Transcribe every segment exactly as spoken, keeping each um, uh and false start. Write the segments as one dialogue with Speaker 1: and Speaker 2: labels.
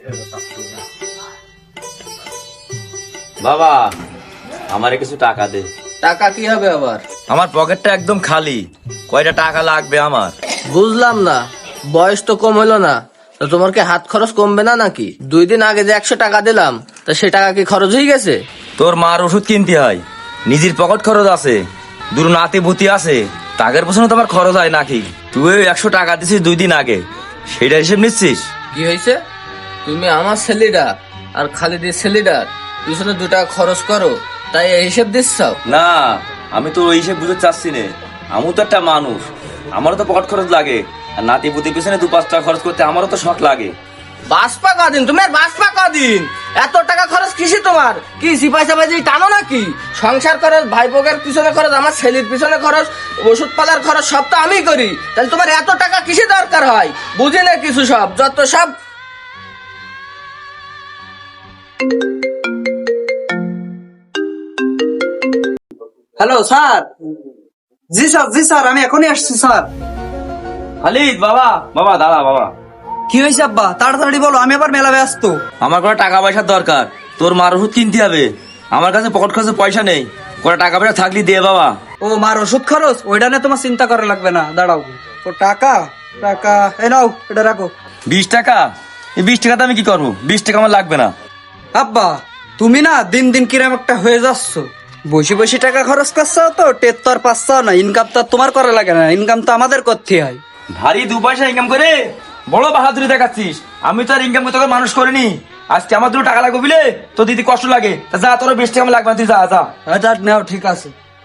Speaker 1: বাবা আমারে কিছু টাকা দে।
Speaker 2: টাকা কি হবে আবার?
Speaker 1: আমার পকেটটা একদম খালি, কয়টা টাকা লাগবে আমার?
Speaker 2: বুঝলাম না, বয়স তো কম হলো না, তো তোমার কি হাত খরচ কমবে না নাকি? দুই দিন আগে যে একশো টাকা দিলাম, তা সে টাকা কি খরচ হয়ে গেছে?
Speaker 1: তোর মার ওষুধ কিনতে হয়, নিজের পকেট খরচ আছে, দূর নাতি ভূতি আছে, টাকার পেছনে তোমার খরচ হয় নাকি? তুই একশো টাকা দিছিস দুই দিন আগে, সেটা হিসেব নিচ্ছিস?
Speaker 2: কি হয়েছে? তুমি আমার ছেলেটার আর খালিদের ছেলেটার পিছনে দু টাকা খরচ করো, তাই এই হিসেব দিচ্ছ?
Speaker 1: না, আমি তো ওই হিসেব বুঝতে চাচ্ছি না। আমি তো একটা মানুষ, আমারও তো পকেট খরচ লাগে, আর নাতি পুতির পিছনে দু পাঁচ টাকা খরচ করতে আমারও তো শখ লাগে।
Speaker 2: বাসপা কদিন তুমি আর বাসপা কদিন, এত টাকা খরচ কিসে তোমার? কি সিপাই সাপাই টানো নাকি? সংসার খরচ, ভাইপোকের পিছনে খরচ, আমার ছেলের পিছনে খরচ, ওষুধ পালার খরচ সব তো আমি করি, তাহলে তোমার এত টাকা কিসে দরকার হয়? বুঝি না কিছু, সব যত সব।
Speaker 3: Hello sir. জি স্যার, জি স্যার, আমি এখনই আসছি স্যার।
Speaker 1: খালিদ বাবা, বাবা দাদা বাবা।
Speaker 3: কি হয়েছে আব্বা? তাড়াতাড়ি বলো, আমি আবার মেলা ব্যস্ত।
Speaker 1: আমার কোনো টাকা পয়সার দরকার, তোর মার ওষুধ কিনতে হবে, আমার কাছে পকেট খরচে পয়সা নেই, কোনো টাকা পয়সা থাকলে দে বাবা।
Speaker 3: ও মার ওষুধ খরচ, ওইটা নিয়ে তোমার চিন্তা করা লাগবে না, দাঁড়াও। তো টাকা টাকা এ নাও, এটা রাখো।
Speaker 1: বিশ টাকা? এই বিশ টাকাতে আমি কি করবো? বিশ টাকা আমার লাগবে না।
Speaker 3: আব্বা তুমি না দিন দিন কিরম একটা হয়ে যাচ্ছ, বসে বসে টাকা খরচ করছো, তো টেট তো আর পাচ্ছ না, ইনকাম তো আর তোমার করা লাগে না, ইনকাম তো আমাদের করতে হয়।
Speaker 1: ভারী দু পয়সা ইনকাম করে বড় বাহাদুরি দেখাচ্ছিস, আমি তো আর ইনকাম করতে করে মানুষ করিনি। আজকে আমার দুটো টাকা লাগবে বুঝলে, তো দিদি কষ্ট লাগে, তা যা, তোর বিশ টাকা আমার লাগবে না, তুই যা যা।
Speaker 3: আচ্ছা নাও, ঠিক আছে।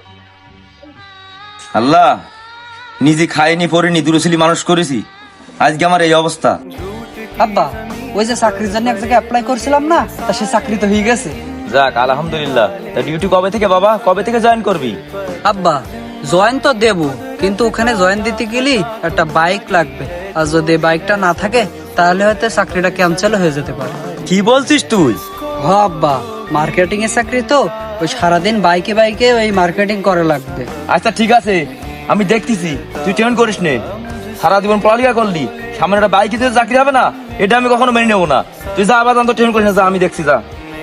Speaker 1: আল্লাহ, নিজে খাইনি পড়িনি দুরুছিলি মানুষ করেছি, আজকে আমার এই অবস্থা।
Speaker 3: আব্বা ওই যে চাকরির জন্য এক জায়গায় অ্যাপ্লাই করছিলাম না, তা সে চাকরি তো হয়ে গেছে।
Speaker 1: যাক আলহামদুলিল্লাহ। তা ডিউটি কবে থেকে বাবা, কবে থেকে জয়েন করবি?
Speaker 3: আব্বা জয়েন তো দেব, কিন্তু ওখানে জয়েন দিতে গেলে একটা বাইক লাগবে, আর যদি বাইকটা না থাকে তাহলে হয়তো চাকরিটা ক্যান্সেল হয়ে যেতে পারে।
Speaker 1: কি বলছিস তুই?
Speaker 3: হ আব্বা, মার্কেটিং এর চাকরি তো, ওই সারাদিন বাইকে বাইকে ওই মার্কেটিং করা লাগবে।
Speaker 1: আচ্ছা ঠিক আছে, আমি দেখতেছি, তুই টেনশন করিস নে। সারা জীবন পড়ালেখা করলি, সামনে একটা বাইকে যদি চাকরি হবে না, এটা আমি কখনো মেনে নেবো না। তুই যা আবার তো টেনশন করিস না, যা, আমি দেখছি যা।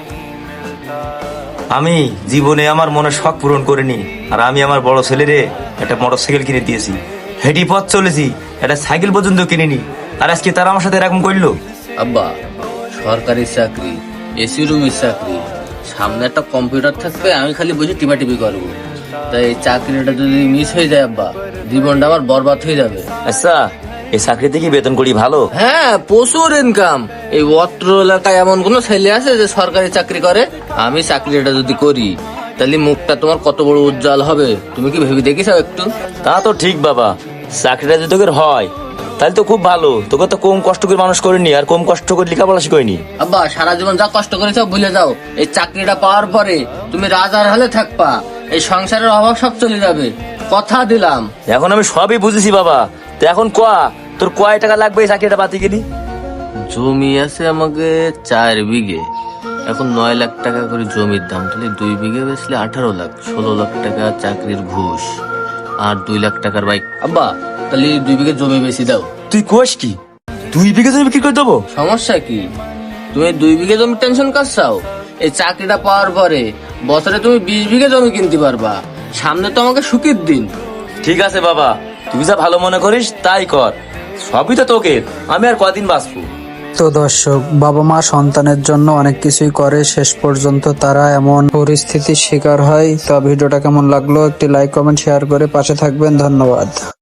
Speaker 1: আমি জীবনে আমার মনে শখ পূরণ করিনি, আর আমি আমার বড় ছেলেরে একটা মোটর সাইকেল কিনে দিয়েছি, হেঁটি পথ চলেছি, একটা সাইকেল পর্যন্ত কিনিনি, আর আজকে তারা আমার সাথে এরকম করলো।
Speaker 2: আব্বা সরকারি চাকরি, এসি রুমের চাকরি, সামনে একটা কম্পিউটার থাকবে, আমি খালি বসে টিপা টিপি করবো, তাই এই চাকরিটা যদি মিস হয়ে যায় আব্বা, জীবনটা আমার বরবাদ হয়ে যাবে।
Speaker 1: আচ্ছা, এই চাকরিতে কি বেতন করি ভালো?
Speaker 2: হ্যাঁ, প্রচুর ইনকাম। এই অত্র এলাকায় এমন কোন ছেলে আছে যে সরকারি চাকরি করে? আমি চাকরিটা যদি করি, তাহলে মুখটা তোমার কত বড় উজ্জ্বল হবে, তুমি কি ভেবে দেখেছো একটু?
Speaker 1: তা তো ঠিক বাবা, চাকরিটা যদি তোকে হয় তাহলে তো খুব ভালো, তোকে তো কম কষ্ট করে মানুষ করিনি, আর কম কষ্ট করে লেখাপড়া শিখয়নি।
Speaker 2: আব্বা সারা জীবন যা কষ্ট করেছো ভুলে যাও, এই চাকরিটা পাওয়ার পরে তুমি রাজার হালে থাকবা, এই সংসারের অভাব সব চলে যাবে, কথা দিলাম।
Speaker 1: এখন আমি সবই বুঝেছি বাবা, তো এখন কোয়া, তোর কয় টাকা লাগবে এই চাকরিটা পাতি গেলি?
Speaker 2: জমি আছে আমাকে চার বিঘে, এখন নয় লাখ টাকা করে জমির দাম, তাহলে দুই বিঘে বেচলে আঠারো লাখ, ষোলো লাখ টাকা চাকরির ঘুষ, আর দুই লাখ টাকার বাইক। আব্বা তাহলে দুই বিঘে জমি বেশি দাও।
Speaker 1: তুই কোষ কি, দুই বিঘে জমি বিক্রি করে দেবো?
Speaker 2: সমস্যা কি? তুমি দুই বিঘে জমি টেনশন করছাও, এই চাকরিটা পাওয়ার পরে বছরে তুমি বিশ বিঘে জমি কিনতে পারবা, সামনে তো আমাকে সুখের দিন।
Speaker 1: ঠিক আছে বাবা, তুই যা ভালো মনে করিস তাই কর, সবই তো তোকে, আমি আর কদিন বাঁচবো।
Speaker 3: তো দর্শক, বাবা মা সন্তানের জন্য অনেক কিছুই করে, শেষ পর্যন্ত তারা এমন পরিস্থিতির শিকার হয়। তো ভিডিওটা কেমন লাগলো একটি লাইক কমেন্ট শেয়ার করে পাশে থাকবেন, ধন্যবাদ।